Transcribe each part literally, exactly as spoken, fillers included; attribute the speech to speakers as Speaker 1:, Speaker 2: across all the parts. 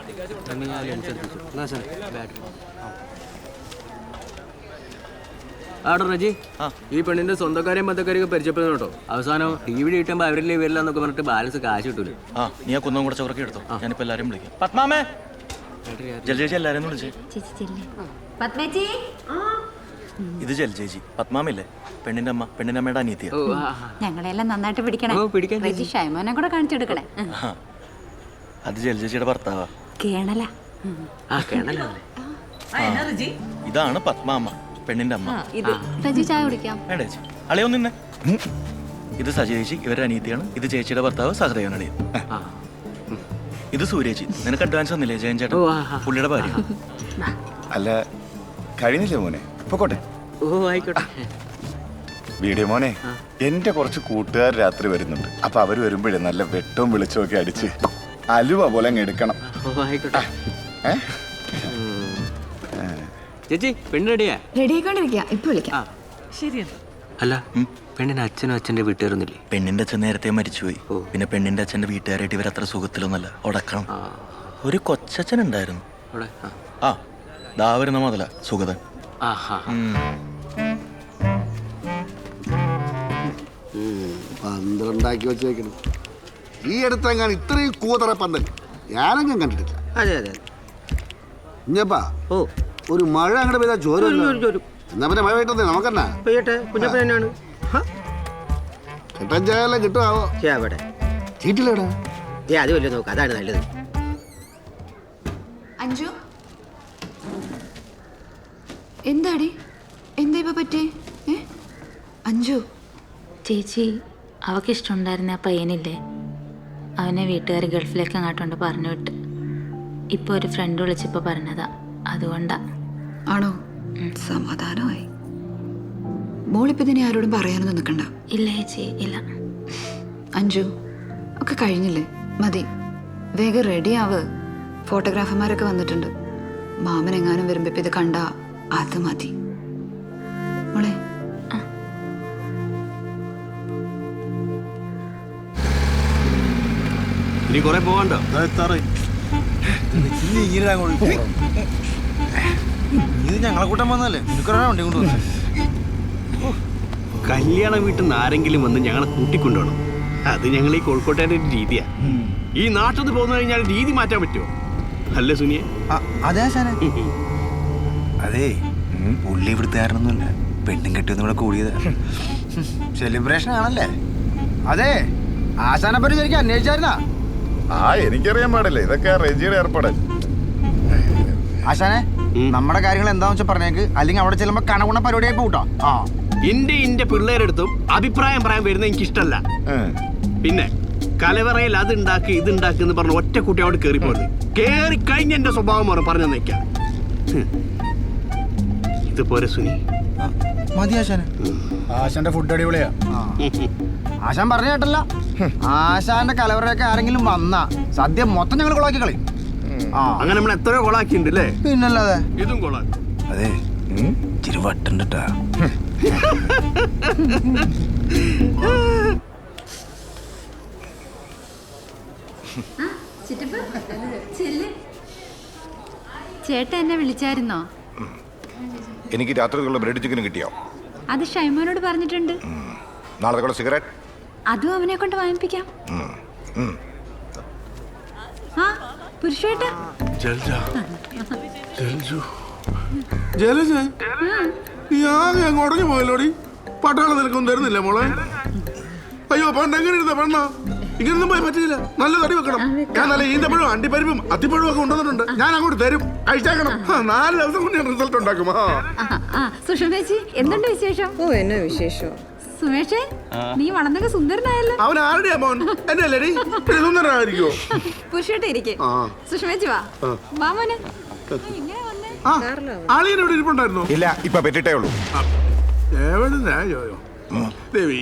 Speaker 1: ആടോ റജി, ഈ പെണ്ണിന്റെ സ്വന്തക്കാരെയും ബന്ധക്കാരെയൊക്കെ പരിചയപ്പെടുന്നു കേട്ടോ. അവസാനം ടി വി കിട്ടുമ്പോ അവരില്ലേ വരില്ലെന്നൊക്കെ പറഞ്ഞിട്ട് ബാലൻസ് കാശ് കിട്ടൂല.
Speaker 2: ആ നീ ആ കുന്നം കൂടെ ചോറക്കി എടുത്തോ. ഞാനിപ്പോ എല്ലാരും വിളിക്കാം. പത്മാമേ, ജലജേച്ചി എല്ലാരും വിളിച്ചേ. ഇത് ജലജേച്ചി, പത്മാമില്ലേ പെണ്ണിന്റെ അമ്മ, പെണ്ണിന്റെ അമ്മയുടെ അനിയത്തിയ.
Speaker 3: ഞങ്ങളെല്ലാം നന്നായിട്ട് പിടിക്കണേ. ഷൈമോനെ കൂടെ കാണിച്ചെടുക്കണേ.
Speaker 2: അത് ജലജേച്ചിയുടെ ഭർത്താവാ.
Speaker 3: കേണല.
Speaker 2: ഇതാണ് പത്മാമ്മ, പെണ്ണിന്റെ അമ്മ.
Speaker 3: ചായ കുടിക്കാം.
Speaker 2: വേണ്ട ചേച്ചി, അളിയോ നിന്നെ. ഇത് സജേച്ചി, ഇവരുടെ അനിയത്തിയാണ്. ഇത് ചേച്ചിയുടെ ഭർത്താവ് സഹദേവൻ അളിയൻ. ഇത് സൂര്യേച്ചി. നിനക്ക് അഡ്വാൻസ് ഒന്നില്ലേ ജയൻ ചേട്ടൻ, പുള്ളിയുടെ ഭാര്യ.
Speaker 4: അല്ല കഴിഞ്ഞില്ലേ മോനെ, പൊക്കോട്ടെ.
Speaker 1: ഓ ആയിക്കോട്ടെ.
Speaker 4: വീഡിയോ മോനെ, എന്റെ കുറച്ച് കൂട്ടുകാർ രാത്രി വരുന്നുണ്ട്. അപ്പൊ അവര് വരുമ്പോഴേ നല്ല വെട്ടവും വെളിച്ചവും ഒക്കെ അടിച്ച് അലുവ പോലെ അങ്ങ് എടുക്കണം.
Speaker 1: ആയിക്കോട്ടെ. ചേച്ചി പെണ്ണ് റെഡിയാ?
Speaker 3: റെഡി ആയിക്കൊണ്ടിരിക്കുക. ഇപ്പൊ വിളിക്കാം.
Speaker 1: ശരിയാണ്. അല്ല പെണ്ണിന്റെ അച്ഛനും അച്ഛന്റെ വീട്ടുകാരൊന്നുമില്ലേ?
Speaker 2: പെണ്ണിന്റെ അച്ഛൻ നേരത്തെ മരിച്ചുപോയി. പിന്നെ പെണ്ണിന്റെ അച്ഛന്റെ വീട്ടുകാരായിട്ട് ഇവർ അത്ര സുഖത്തിലൊന്നല്ല. ഉടക്കണം. ഒരു കൊച്ചച്ഛൻ ഉണ്ടായിരുന്നു. ആ ദാ വരുന്ന മുതല സുഗതൻ.
Speaker 5: പന്ത്രണ്ടാക്കി വെച്ചേക്കണം. ഈ അടുത്തെങ്ങാൻ ഇത്രയും കൂതറ പന്തൽ ഞാനങ്ങും കണ്ടിട്ടില്ല.
Speaker 1: അതെ അതെ.
Speaker 5: കുഞ്ഞപ്പാ, ഓ ഒരു മഴ അങ്ങോട്ട് പെയ്താൽ ചോരും. എന്നാ പിന്നെ മഴ പെയ്യട്ടെ, നമുക്കെന്നാ
Speaker 1: പെയ്യട്ടെ. കുഞ്ഞപ്പൻ തന്നെയാണ്.
Speaker 5: കിട്ടാൻ ചായല്ലാം കിട്ടുമാവോ? ചീറ്റില്ലേടാ?
Speaker 1: ഏ അത് വല്ല നോക്കാം, അതാണ് നല്ലത്.
Speaker 3: അഞ്ജു, എന്താടി? എന്താ ഇപ്പൊ പറ്റേ? അഞ്ജു
Speaker 6: ചേച്ചി, അവക്കിഷ്ടമുണ്ടായിരുന്ന ആ പയ്യനില്ലേ, അവനെ വീട്ടുകാർ ഗൾഫിലേക്ക് അങ്ങോട്ടുണ്ട് പറഞ്ഞു വിട്ട്. ഇപ്പോൾ ഒരു ഫ്രണ്ട് വിളിച്ചപ്പോൾ പറഞ്ഞതാ, അതുകൊണ്ടാ.
Speaker 3: ആണോ? സമാധാനമായി. മോളിപ്പോൾ ഇതിനെ ആരോടും പറയാനൊന്നും നിൽക്കണ്ട.
Speaker 6: ഇല്ല ചേച്ചി, ഇല്ല.
Speaker 3: അഞ്ജു, ഒക്കെ കഴിഞ്ഞില്ലേ? മതി, വേഗം റെഡിയാവ്. ഫോട്ടോഗ്രാഫർമാരൊക്കെ വന്നിട്ടുണ്ട്. മാമൻ എങ്ങാനും വരുമ്പോൾ ഇപ്പം ഇത് കണ്ട അത് മതി. മോളെ
Speaker 1: ഇനി കുറെ പോകണ്ടോ?
Speaker 2: ഇത് ഞങ്ങളെ കൂട്ടം വന്നല്ലേ, വണ്ടി കൊണ്ടുവന്നു.
Speaker 7: കല്യാണ വീട്ടിൽ നിന്ന് ആരെങ്കിലും വന്ന് ഞങ്ങളെ കൂട്ടിക്കൊണ്ടുപോകണം. അത് ഞങ്ങൾ ഈ കോഴിക്കോട്ടുകാരുടെ ഒരു രീതിയാ. ഈ നാട്ടിൽ നിന്ന് പോന്നു കഴിഞ്ഞാൽ രീതി മാറ്റാൻ പറ്റുമോ? അല്ലേ സുനിയെ?
Speaker 2: അതെ അതെ, പുള്ളി ഇവിടുത്തുകാരനൊന്നുമില്ല, പെണ്ണും കെട്ടിയൊന്നും ഇവിടെ കൂടിയതാ. സെലിബ്രേഷൻ ആണല്ലേ? അതെ, ആശാനെ പറ്റി ശരിക്കും അന്വേഷിച്ചായിരുന്നാ?
Speaker 4: ആ എനിക്കറിയാൻ പാടില്ല, ഇതൊക്കെ റെജിയുടെ ഏർപ്പാട്.
Speaker 2: ആശാനെ, നമ്മുടെ കാര്യങ്ങൾ എന്താന്ന് വെച്ചാൽ പറഞ്ഞേക്ക്, അല്ലെങ്കിൽ അവിടെ ചെല്ലുമ്പോ കണകുണ പരിപാടിയായി പോട്ടോ. ആ
Speaker 7: എന്റെ ഇന്റെ പിള്ളേരെടുത്തും അഭിപ്രായം പറയാൻ വരുന്ന എനിക്ക് ഇഷ്ടമല്ല. പിന്നെ കലവറയിൽ അത് ഉണ്ടാക്കി ഇത് ഉണ്ടാക്കി എന്ന് പറഞ്ഞ ഒറ്റ കുട്ടി അവിടെ കയറി പോയത് കേറി കഴിഞ്ഞ എന്റെ സ്വഭാവം മാറും പറഞ്ഞു നിൽക്കാം. ഇതുപോലെ സുനി
Speaker 2: മതി ആശാനെ. ആശാന്റെ ഫുഡ് അടിപൊളിയാ. ആശാൻ പറഞ്ഞ കേട്ടല്ല, ആശാന്റെ കലവറയൊക്കെ ആരെങ്കിലും വന്നാ സദ്യ മൊത്തം ഞങ്ങൾ കൊളാക്കി കളി.
Speaker 7: അങ്ങനെ നമ്മൾ എത്രയോ കൊളാക്കിണ്ട് അല്ലേ?
Speaker 2: പിന്നല്ലാതെ
Speaker 7: ഇതും കൊളാക്കി.
Speaker 2: അതെ, ഇച്ചിരി വട്ടുണ്ടാ.
Speaker 6: ചേട്ടൻ എന്നെ വിളിച്ചായിരുന്നോ?
Speaker 4: എനിക്ക് രാത്രിക്കുള്ള ബ്രെഡ് ചിക്കൻ കിട്ടിയോ?
Speaker 6: അത് ഷൈമോനോട് പറഞ്ഞിട്ടുണ്ട്.
Speaker 4: നാളെ സിഗരറ്റ്
Speaker 6: അതും അവനെ കൊണ്ട് വാങ്ങിപ്പിക്കാം. ആ പുരുഷേട്ട
Speaker 5: ജലജ, നീ ആകെ അങ്ങ് ഉടഞ്ഞു പോയല്ലോടി. പട്ടാളം നിനക്കൊന്നും തരുന്നില്ല മോളെ. അയ്യോ പണ്ട് എങ്ങനെ ഇരുന്ന പെണ്ണാ? ഇങ്ങനൊന്നും പോയി പറ്റില്ല. നല്ല തടി വെക്കണം. ഞാൻ നല്ല ഈന്തപ്പഴവും അണ്ടിപ്പരിപ്പും അത്തിപ്പഴവും ഒക്കെ കൊണ്ടുവന്നിട്ടുണ്ട്. ഞാൻ അങ്ങോട്ട് തരും, കഴിച്ചേക്കണം. നാല് ദിവസം കൊണ്ട് ഞാൻ റിസൾട്ട് ഉണ്ടാക്കും.
Speaker 6: സുഷമേച്ചി, എന്തുണ്ട് വിശേഷം?
Speaker 8: ഓ, എന്നാ വിശേഷം?
Speaker 6: സുമേഷേ, നീ വളർന്നൊക്കെ സുന്ദരനായല്ലോ.
Speaker 5: അവൻ ആരുടെയാ മോൻ? എന്റെ അല്ലേടി? സുന്ദരനായിരിക്കോ?
Speaker 6: പുരുഷേട്ട ഇരിക്കെ. സുഷമേച്ചി വാ. വാ മോനെ. ഇങ്ങനെ വന്നേ.
Speaker 5: ആളിയനോട് ഇരിപ്പുണ്ടായിരുന്നോ?
Speaker 4: ഇല്ല, ഇപ്പൊ പറ്റിട്ടേ ഉള്ളൂ.
Speaker 5: ദേവി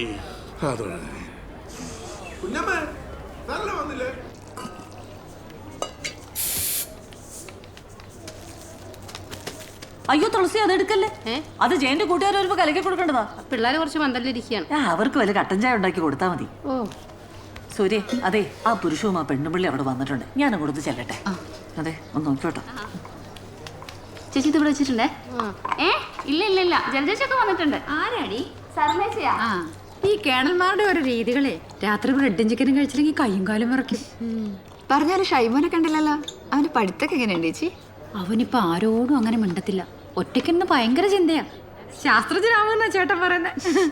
Speaker 5: കുഞ്ഞമ്മേ, നല്ല വന്നില്ലേ?
Speaker 8: അയ്യോ തുളസി, അത് എടുക്കല്ലേ. അത് ജയന്റെ കൂട്ടുകാർ വരുമ്പോ കലക്കി കൊടുക്കേണ്ടതാ.
Speaker 9: പിള്ളേര് കുറച്ച് പന്തലിരിക്കുകയാണ്.
Speaker 8: അവർക്ക് വല്ല കട്ടൻ ചായ ഉണ്ടാക്കി കൊടുത്താൽ മതി. ഓ സൂര്യ, അതെ, ആ പുരുഷവും ആ പെണ്ണുപിള്ളി അവിടെ വന്നിട്ടുണ്ട്. ഞാൻ അങ്ങോട്ട് ചെല്ലട്ടെ. അതെ ഒന്ന് നോക്കോട്ടോ.
Speaker 9: ചേച്ചി ഇത് ഇവിടെ വെച്ചിട്ടുണ്ടേ. ഏ ഇല്ല ഇല്ല ഇല്ല ജലജേച്ചൊക്കെ വന്നിട്ടുണ്ട്.
Speaker 3: ആരാടി?
Speaker 9: സർമേച്ചയാ.
Speaker 3: ആ ഈ കേണൽമാരുടെ ഓരോ രീതികളെ രാത്രി ബ്രെഡും ചിക്കനും കഴിച്ചില്ലെങ്കിൽ കയ്യും കാലും വിറയ്ക്കും.
Speaker 10: പറഞ്ഞാലും ഷൈമോനെ കണ്ടില്ലല്ലോ. അവന് പഠിത്തൊക്കെ എങ്ങനെയുണ്ട് ചേച്ചി?
Speaker 3: അവനിപ്പോ ആരോടും അങ്ങനെ മിണ്ടത്തില്ല. ഒറ്റയ്ക്കെന്ന് ഭയങ്കര ചിന്തയാ. ശാസ്ത്രജ്ഞനാവുന്ന ചേട്ടൻ പറയുന്നത്.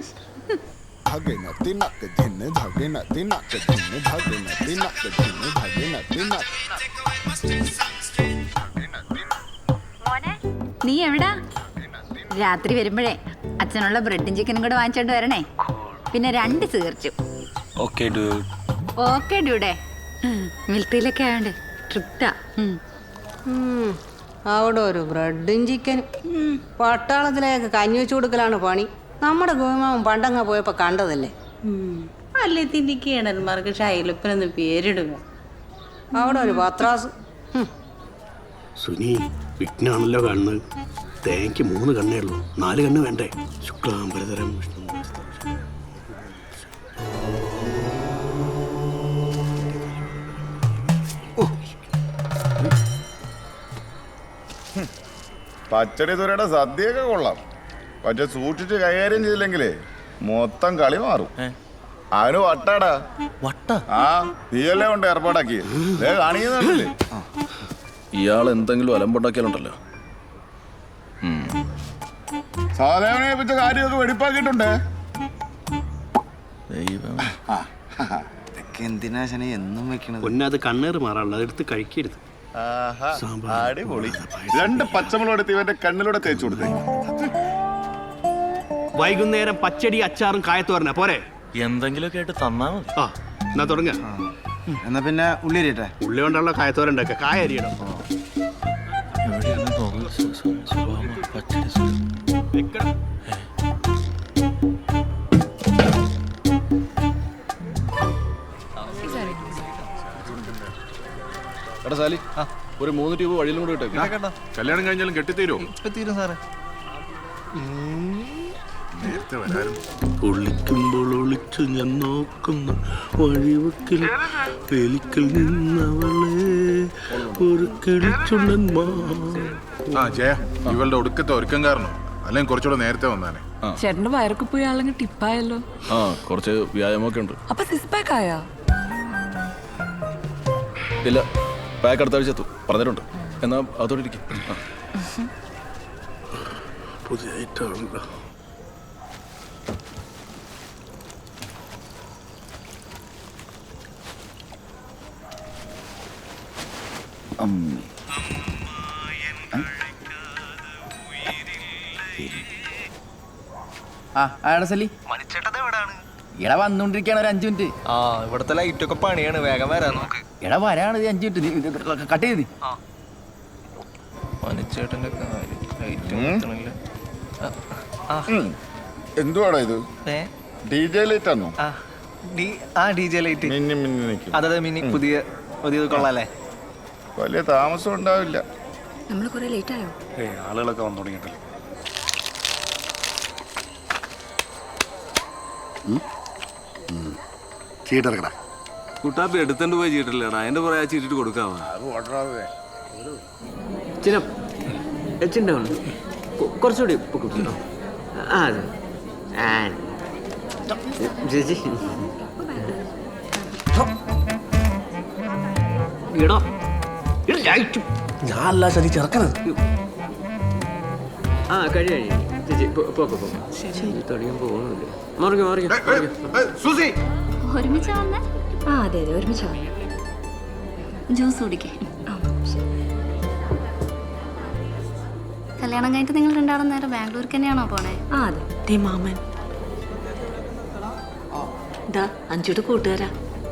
Speaker 3: നീ എവിടാ? രാത്രി വരുമ്പോഴേ അച്ഛനുള്ള ബ്രെഡും ചിക്കനും കൂടെ വാങ്ങിച്ചോണ്ട് വരണേ. പിന്നെ രണ്ട് തീർച്ചു.
Speaker 2: Okay dude.
Speaker 3: ഓക്കെ ഡ്യൂഡേ. മിലിറ്ററിയിലൊക്കെ ആയോണ്ട് ട്രിപ്റ്റാ.
Speaker 8: അവിടെ ഒരു ബ്രെഡും ചിക്കനും. പട്ടാളത്തിലേക്ക് കഞ്ഞി വെച്ചു കൊടുക്കലാണ് പണി. നമ്മുടെ ഗോമാവൻ പണ്ടങ്ങ പോയപ്പോ കണ്ടതല്ലേ. അല്ലേ തിന്റെ കേണന്മാർക്ക് ഷൈലപ്പനെന്ന് പേരിടുക. അവിടെ ഒരു പത്രാസ്.
Speaker 7: സുനി വിഘ്നാണല്ലോ കണ്ണ്. തേങ്ങയ്ക്ക് മൂന്ന് കണ്ണേ ഉള്ളൂ, നാല് കണ്ണ് വേണ്ടേ? ശുക്ലാംബരതരം വിഷ്ണു.
Speaker 4: പച്ചടി തുരയുടെ സദ്യയൊക്കെ കൊള്ളാം. പക്ഷെ സൂക്ഷിച്ച് കൈകാര്യം ചെയ്തില്ലെങ്കിലേ മൊത്തം കളി മാറും. അവന് വട്ടാടാ.
Speaker 2: വട്ട?
Speaker 4: ആ തീയല്ലേ കൊണ്ട് ഏർപ്പാടാക്കി കാണിക്കുന്നില്ലേ?
Speaker 2: ഇയാൾ എന്തെങ്കിലും അലമ്പുണ്ടാക്കിയാലുണ്ടല്ലോ.
Speaker 4: സാധാരണ വെച്ച കാര്യമൊക്കെ വെടിപ്പാക്കിയിട്ടുണ്ട്.
Speaker 11: എന്തിനാ എന്നും വെക്കണത്?
Speaker 7: പൊന്നത് കണ്ണേറ് മാറാനുള്ളത് എടുത്ത് കഴിക്കരുത്.
Speaker 4: അടിപൊളി. രണ്ട് പച്ചമുളക് എടുത്ത് ഇവന്റെ കണ്ണിലൂടെ തേച്ചു കൊടുത്തേ.
Speaker 7: വൈകുന്നേരം പച്ചടി അച്ചാറും കായത്തോരന പോരെ?
Speaker 2: എന്തെങ്കിലുമൊക്കെ ആയിട്ട് തന്നാ മതി.
Speaker 7: ആ എന്നാ തുടങ്ങ.
Speaker 11: എന്നാ പിന്നെ ഉള്ളി അരിയട്ടെ.
Speaker 7: ഉള്ളി കൊണ്ടുള്ള കായത്തോരൻ ഉണ്ടാക്കുക. കായ അരിയണം.
Speaker 2: എടാ സാലി, ഒരു മൂന്ന് ട്യൂബ് വഴിയിലും കൂടെ ഇട്ടേക്ക്.
Speaker 5: കല്യാണം കഴിഞ്ഞാലും കെട്ടിത്തീരോ?
Speaker 11: തീരും സാറേ.
Speaker 5: നേരത്തെ വരായിരുന്നു.
Speaker 7: ഒളിക്കുമ്പോൾ ഒളിച്ചു ഞാൻ നോക്കുന്ന വഴിവക്കിൽ വെലിക്കൽ നിന്നവളെ ഒരു കിളിച്ചുണ്ടൻ.
Speaker 5: ആ ജയ, ഇവളുടെ ഒടുക്കത്തെ ഒരുക്കം കാരണം അല്ലെങ്കിൽ കുറച്ചുകൂടെ നേരത്തെ വന്നാനെ.
Speaker 8: ചേട്ടന്റെ വയറൊക്കെ പോയി ആളെങ്കിൽ ടിപ്പായല്ലോ.
Speaker 2: ആ കുറച്ച് വ്യായാമമൊക്കെ ഉണ്ട്.
Speaker 8: അപ്പൊ സിക്സ് പാക്ക് ആയാ?
Speaker 2: ഇല്ല, പാക്ക് അടുത്ത ആഴ്ച എത്തും പറഞ്ഞിട്ടുണ്ട്. എന്നാ അതോടെ ഇരിക്കും.
Speaker 7: പുതിയ ഐറ്റമുണ്ടോ?
Speaker 11: ആ ആടെ സലി എടാ വന്നോണ്ടിരിക്കാണ് ഒരു അഞ്ചു മിനിറ്റ്.
Speaker 1: ആ ഇവിടത്തെ ലൈറ്റൊക്കെ പണിയാണ്, വേഗം വരാൻ നോക്ക്.
Speaker 11: എടാ വരാണ് ഇത് അഞ്ചു മിനിറ്റ്. കട്ട് ചെയ്ത്
Speaker 1: മണിച്ചേട്ടന്റെ
Speaker 4: എന്തുവാടാ ഇത്? ഡി ജെ ലൈറ്റ് ആണോ?
Speaker 1: ആ ഡി ജെ ലൈറ്റ്.
Speaker 4: മിന്നി മിന്നി നിൽക്കും.
Speaker 1: അതെ മിനി പുതിയ പുതിയത് കൊള്ളാല്ലേ?
Speaker 4: വലിയ താമസം ഉണ്ടാവില്ല.
Speaker 10: നമ്മൾ കുറെ ലേറ്റ് ആയോ?
Speaker 5: ആളുകളൊക്കെ വന്നു തുടങ്ങിയിട്ടല്ലേ. ചീട്ടെടുക്കടാ.
Speaker 1: കുട്ടാപ്പി എടുത്തോണ്ട് പോയി ചീട്ടില്ലടാ, അതിന്റെ പുറകെ ആ ചീട്ടിട്ട് കൊടുക്കാവാ. കുറച്ചുകൂടി ആ ചേച്ചി ഇടോ
Speaker 7: ഞാനല്ല ശരി ചെറുക്കണത്.
Speaker 1: ആ കഴി കഴി ചേച്ചി പോക്കോ പോക്കോ. തുടങ്ങാൻ പോകുന്നില്ല. മാറിക്കോ മാറിക്കോ.
Speaker 9: ഒരുമിച്ചാ വന്നേ?
Speaker 3: ആ അതെ അതെ ഒരുമിച്ചാ.
Speaker 9: ജ്യൂസ് കുടിക്കേ. കല്യാണം കഴിഞ്ഞിട്ട് നിങ്ങൾ രണ്ടാളും നേരെ ബാംഗ്ലൂർക്ക് തന്നെയാണോ പോണേ?
Speaker 3: ആ അതെ.
Speaker 8: മാമൻ ഇതാ അഞ്ചുടെ കൂട്ടുകാരാ.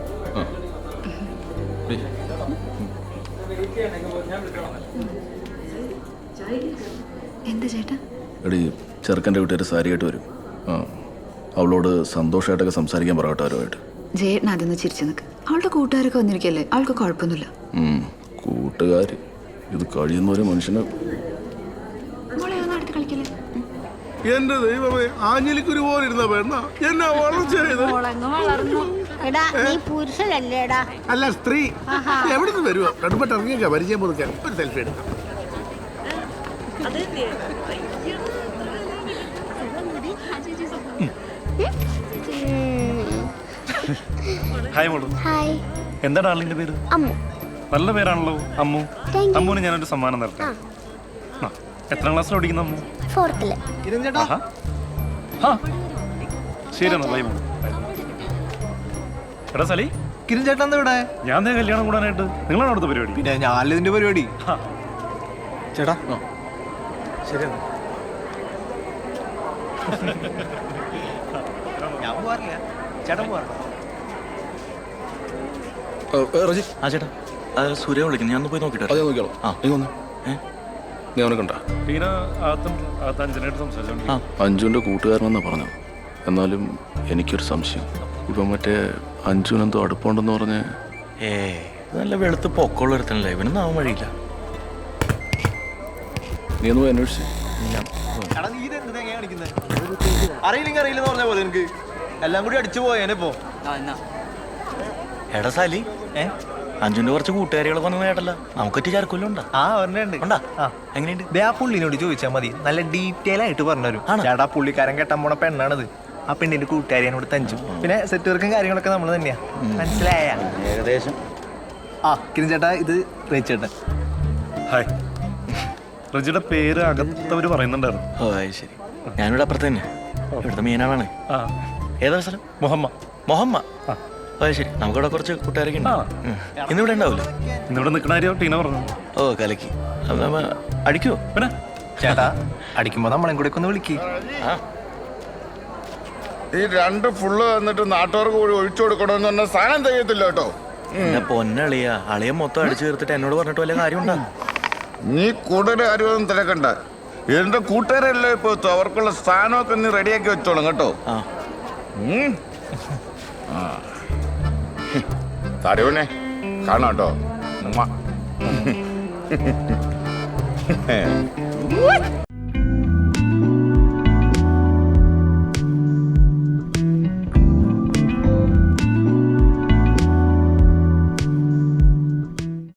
Speaker 10: എന്താ ചേട്ടാ?
Speaker 2: എടി ചെറുക്കൻ്റെ വീട്ടുകാർ സാരിയായിട്ട് വരും. ആ അവളോട് സന്തോഷമായിട്ടൊക്കെ സംസാരിക്കാൻ പറയട്ടെ അവരുമായിട്ട്.
Speaker 10: ജയേട്ടൻ അതൊന്ന് ചിരിച്ചു നിൽക്ക്. അവളുടെ കൂട്ടുകാരൊക്കെ വന്നിരിക്കല്ലേ, അവൾക്ക് കുഴപ്പമൊന്നുമില്ല.
Speaker 2: കൂട്ടുകാർ ഇത് കഴിയുന്ന ഒരു മനുഷ്യന്.
Speaker 5: എന്റെ ദൈവമേ, ആഞ്ഞിലിക്കുരു പോലെ ഇരുന്ന പെണ്ണ എന്നാ വളർച്ചയായത്.
Speaker 9: വളർന്നു
Speaker 8: എടാ നീ പുരുഷനല്ലേടാ?
Speaker 5: അല്ല സ്ത്രീ. എവിടെ നിന്ന് വരുമോ? കടുപ്പട്ട് ഇറങ്ങിയൊക്കെ പരിചയം പുതുക്കാൻ ഒരു സെൽഫി എടുക്കാം.
Speaker 12: ഹായ് മോളു.
Speaker 10: ഹായ്.
Speaker 12: എന്താ ഡാർലിന്റെ പേര്?
Speaker 10: അമ്മു.
Speaker 12: നല്ല പേരാണല്ലോ അമ്മു. അമ്മുവിന് ഞാനൊരു സമ്മാനം തരട്ടെ. ആ, എത്രാം ക്ലാസ്സിൽ പഠിക്കുന്ന അമ്മു?
Speaker 10: ഫോർത്തില്.
Speaker 12: ആഹാ. ആ, ശരി എന്നാ ബൈ മോളു. എടാ സലി,
Speaker 11: കിരൺ ചേട്ടൻ എന്താ ഇവിടെ?
Speaker 12: ഞാൻ ദേ കല്യാണം കൂടാനായിട്ട്. നിങ്ങളാണ് അവിടുത്തെ പരിപാടി?
Speaker 11: പിന്നെ ഞാനല്ലേ ഇതിന്റെ പരിപാടി. ചേട്ടാ ശരി ഞാൻ പോവാറില്ല. ചേട്ടൻ പോവാറുണ്ടോ?
Speaker 2: ആ ചേട്ടാ, സൂര്യ വിളിക്കുന്നു. ഞാൻ ഒന്ന് പോയി നോക്കിട്ടോ.
Speaker 5: അത് നോക്കിയോളൂ.
Speaker 2: ആ
Speaker 5: നീ വന്നു. നീ അവനെ കണ്ട?
Speaker 12: ടീന അകത്തും അകത്ത് അഞ്ചനായിട്ട് സംസാരിച്ചു.
Speaker 2: ആ
Speaker 5: അഞ്ജുവിന്റെ കൂട്ടുകാരനെന്നാ പറഞ്ഞു. എന്നാലും എനിക്കൊരു സംശയം. ഇപ്പൊ മറ്റേ അഞ്ജുനെന്തോ അടുപ്പമുണ്ടെന്ന് പറഞ്ഞ്.
Speaker 2: ഏ നല്ല വെളുത്ത് പൊക്കമുള്ള ഒരുത്തനല്ലേ, ഇവനൊന്നും ആവാൻ വഴിയില്ല.
Speaker 5: നീ ഒന്ന് പോയി അന്വേഷിച്ചു.
Speaker 11: എടാ നീ ഇത് എന്ത് തേങ്ങ കാണിക്കുന്നത്? അറിയില്ലെങ്കിൽ അറിയില്ലെന്ന് പറഞ്ഞ പോലെ എനിക്ക് എല്ലാം കൂടി അടിച്ചു പോയേനെപ്പോ.
Speaker 2: എടാ സാലി,
Speaker 11: ഏ
Speaker 2: അഞ്ജുന്റെ കുറച്ച് കൂട്ടുകാരികളൊക്കെ വന്നു കേട്ടല്ല. നമുക്കൊറ്റ ചാർക്കൊല്ലം ഉണ്ടാ?
Speaker 11: ആ ഒരെണ്ണുണ്ട്.
Speaker 2: ഉണ്ടാ?
Speaker 11: ആ
Speaker 2: എങ്ങനെയുണ്ട്?
Speaker 11: ദേ ആ പുള്ളിനോട് ചോദിച്ചാൽ മതി, നല്ല ഡീറ്റെയിൽ ആയിട്ട് പറഞ്ഞുതരും. ചേട്ടാ പുള്ളിക്കാരൻ കെട്ടാൻ പോണ പെണ്ണാണത്. ആ പെണ്ണിന്റെ കൂട്ടുകാരിയോട് തഞ്ചു. പിന്നെ സെറ്റ് വർക്കും കാര്യങ്ങളൊക്കെ നമ്മൾ തന്നെയാ. മനസ്സിലായ?
Speaker 2: ഏകദേശം.
Speaker 11: ആ കിരൺ ചേട്ടാ, ഇത് റേച്ചേട്ടൻ.
Speaker 12: ഹായ്. റജിയുടെ പേര് അകത്തവര് പറയുന്നുണ്ടായിരുന്നു.
Speaker 2: ഓ അത് ശരി. ഞാനിവിടെ അപ്പുറത്ത് തന്നെ. ഇവിടുത്തെ മീനാളാണ്.
Speaker 12: ആ,
Speaker 2: ഏതാ സ്ഥലം?
Speaker 12: മുഹമ്മ.
Speaker 2: മൊഹമ്മ.
Speaker 12: ആ.
Speaker 2: അത് ശരി. നമുക്കിവിടെ കുറച്ച് കൂട്ടുകാരൊക്കെ ഉണ്ട്.
Speaker 12: ആ.
Speaker 2: ഉം. ഇന്നിവിടെ ഉണ്ടാവില്ലേ?
Speaker 12: ഇന്നിവിടെ നിൽക്കണ കാര്യം ടീന പറഞ്ഞു.
Speaker 2: ഓ കലക്കി. അപ്പൊ നമ്മ അടിക്കുവോ?
Speaker 12: പിന്നെ
Speaker 11: ചേട്ടാ അടിക്കുമ്പോ നമ്മളെ കൂടെ ഒന്ന് വിളിക്ക്.
Speaker 2: ആ
Speaker 4: ഈ രണ്ട് ഫുള്ള് വന്നിട്ട് നാട്ടുകാർക്ക് കൂടി ഒഴിച്ചു കൊടുക്കണമെന്ന് പറഞ്ഞ സാധനം ചെയ്യത്തില്ല കേട്ടോ.
Speaker 2: എന്നെ പൊന്നളിയ അളിയ മൊത്തം അടിച്ചു തീർത്തിട്ട് എന്നോട് പറഞ്ഞിട്ട് വല്ല കാര്യമുണ്ടോ?
Speaker 4: നീ കൂടുതൽ കാര്യമൊന്നും തിരക്കണ്ട. എന്റെ കൂട്ടുകാരല്ലേ ഇപ്പൊ അവർക്കുള്ള സ്ഥാനമൊക്കെ നീ റെഡിയാക്കി വെച്ചോളും കേട്ടോ.
Speaker 2: ആ
Speaker 4: തരുവനെ കാണാട്ടോ. ഉമ്മ.